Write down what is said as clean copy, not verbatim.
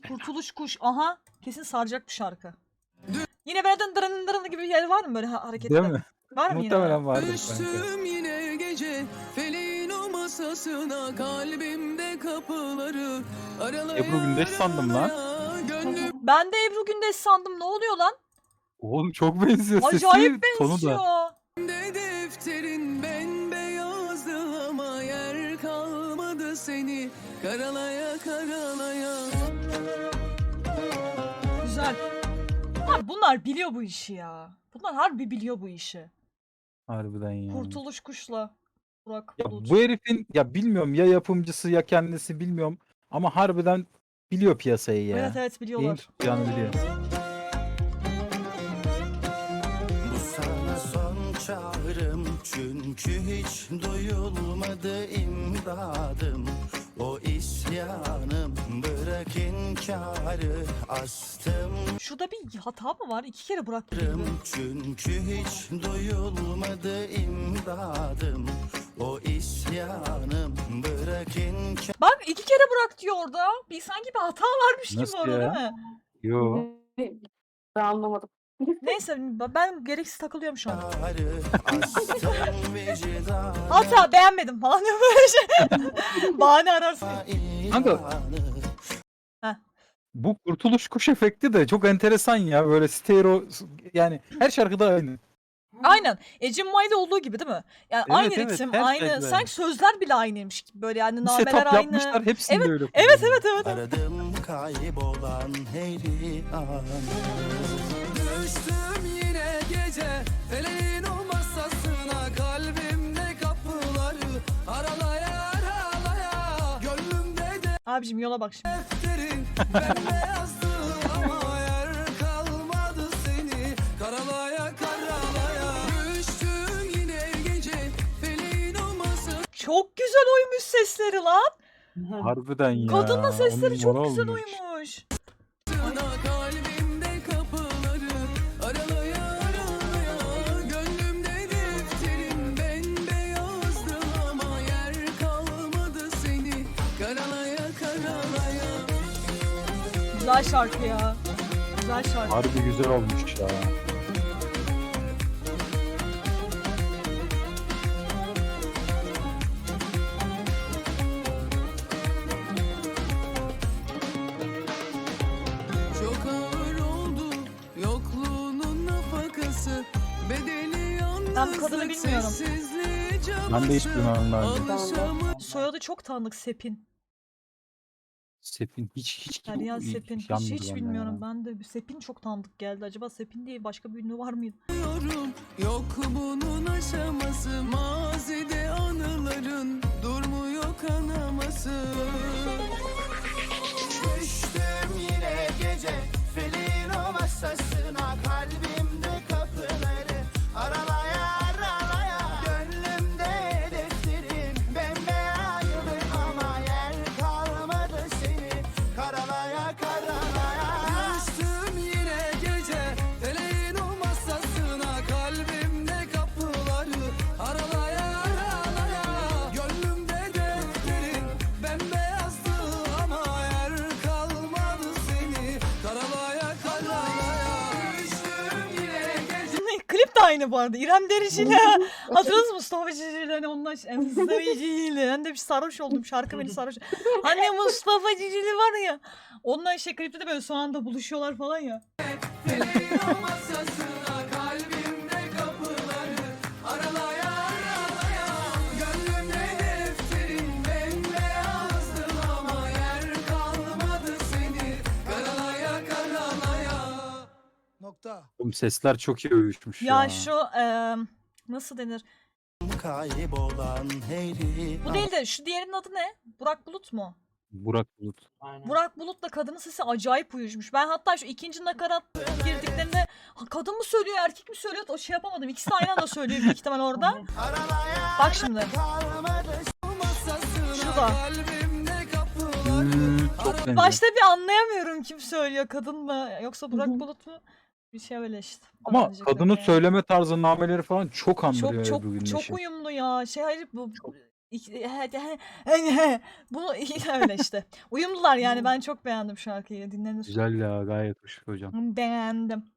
Kurtuluş kuş. Aha. Kesin saracak bu şarkı. Yine böyle dın dırın gibi bir yer var mı böyle hareketler? Değil mi? Var mı yine? Muhtemelen vardır kanka. Düştüm yine gece feleğin o masasına, kalbimde kapıları aralaya Ebru Gündeş sandım lan. gönlüm Ben de Ebru Gündeş sandım. Ne oluyor lan? Oğlum çok benziyor sesi. Acayip Tonu benziyor. da. de defterin bembeyazdı ama yer kalmadı seni karalaya karalaya. Güzel. Bunlar biliyor bu işi ya. Bunlar harbi biliyor bu işi. Harbiden ya. Kurtuluş kuşla. Burak Ya Bulut. bu herifin ya bilmiyorum ya yapımcısı ya kendisi bilmiyorum ama harbiden biliyor piyasayı ya. Evet evet Neyin biliyorlar. tutacağını biliyor. Bu sana son çağrım, çünkü hiç duyulmadı imdadım. O isyanım, bırak inkarı, astım Şurada bir hata mı var? 2 kere Burak gibi. çünkü hiç duyulmadı imdadım. O isyanım, bırak inkarı. Bak 2 kere Burak diyor orada. Bir sanki bir hata varmış gibi Nasıl orada ya? değil mi? Yo. Ben anlamadım. Neyse ben gereksiz takılıyorum şu an. Astım vicdanı, Hata beğenmedim falan diyor böyle şey. Bahane ararsın. Kanka. Heh. Bu kurtuluş kuş efekti de çok enteresan ya. Böyle stereo yani her şarkıda aynı. Aynen. Ecem May'da olduğu gibi değil mi? Yani Evet, aynı evet, ritim, her aynı. şeyde Sanki aynı. sözler bile aynıymış gibi böyle yani Bir nameler setup aynı. yapmışlar hepsinde Evet, öyle. Evet kullanıyor. evet evet. aradım kaybolan her an. Düştüm yine gece feleğin o masasına, kalbimde kapıları aralaya aralaya, gönlümde Abicim yola bak şimdi. defterin bembeyazdı ama yer kalmadı seni karalaya karalaya. Düştüm yine gece feleğin o masasına, Çok güzel uymuş sesleri lan. Harbiden ya. Kadınla sesleri on çok numara güzel olmuş. uymuş. kalbimde kapıları aralaya aralaya, gönlümde defterin bembeyazdı ama yer kalmadı seni karalaya karalaya. Güzel şarkı ya. Güzel şarkı. Harbi güzel olmuş ya. Çok ağır oldu yokluğunun nafakası, bedeli yalnızlık, Ben bu kadını bilmiyorum. sessizliği Ben de hiç cabası, bilmem lazım. alışamadım. Soyadı çok tanıdık Sepin. Sepin hiç Derya Sepin. Hiç, yanmadı hiç bende bilmiyorum. ya. Ben de Sepin çok tanıdık geldi. Acaba Sepin diye başka bir ünlü var mıydı? Yok bunun aşaması, mazide anıların durmuyor kanaması. Düştüm yine gece felin o masasına, kalbimde kapıları aralaya aralaya, gönlümde defterin bembeyazdı ama yer kalmadı seni karalaya karalaya. Düştüm yine gece feleğin o masasına, kalbimde kapıları aralaya aralaya, gönlümde defterin bembeyazdı ama yer kalmadı seni karalaya karalaya. Düştüm yine gece. Klip de aynı bu arada. İrem Derici ile hatırladınız mı Mustafa Cicili hani onunla Mustafa Cicili. Ben de bir sarhoş oldum. Şarkı beni sarhoş. Hani Mustafa Cicili var ya. Onunla işte klipte de böyle son anda buluşuyorlar falan ya. Feleğin o masasına, kalbimde kapıları aralaya aralaya, gönlümde defterin bembeyazdı ama yer kalmadı seni karalaya karalaya. Nokta. Oğlum sesler çok iyi uyuşmuş ya. Ya şu nasıl denir? Kaybolan her Bu an. değil de şu diğerinin adı ne? Burak Bulut mu? Burak Bulut. Burak Bulut'la kadının sesi acayip uyuşmuş. Ben hatta şu ikinci nakarat girdiklerinde kadın mı söylüyor erkek mi söylüyor o şey yapamadım. İkisi de aynı anda söylüyor büyük ihtimal orada. Aralaya Bak şimdi. kalmadı Masasına, Şurada. kalbimde kapıları Çok benziyor. Başta bir anlayamıyorum kim söylüyor kadın mı yoksa Burak Bulut mu? Bir şey öyle işte. Ama Bence kadının kadın ya. söyleme tarzı, nameleri falan çok andırıyor çok Ebru çok Gündeş'i. uyumlu ya. Şey hayır bu Bunu öyle işte. Uyumlular yani ben çok beğendim şarkıyı. Dinlenir. Güzel ya, gayet hoş hocam. Beğendim.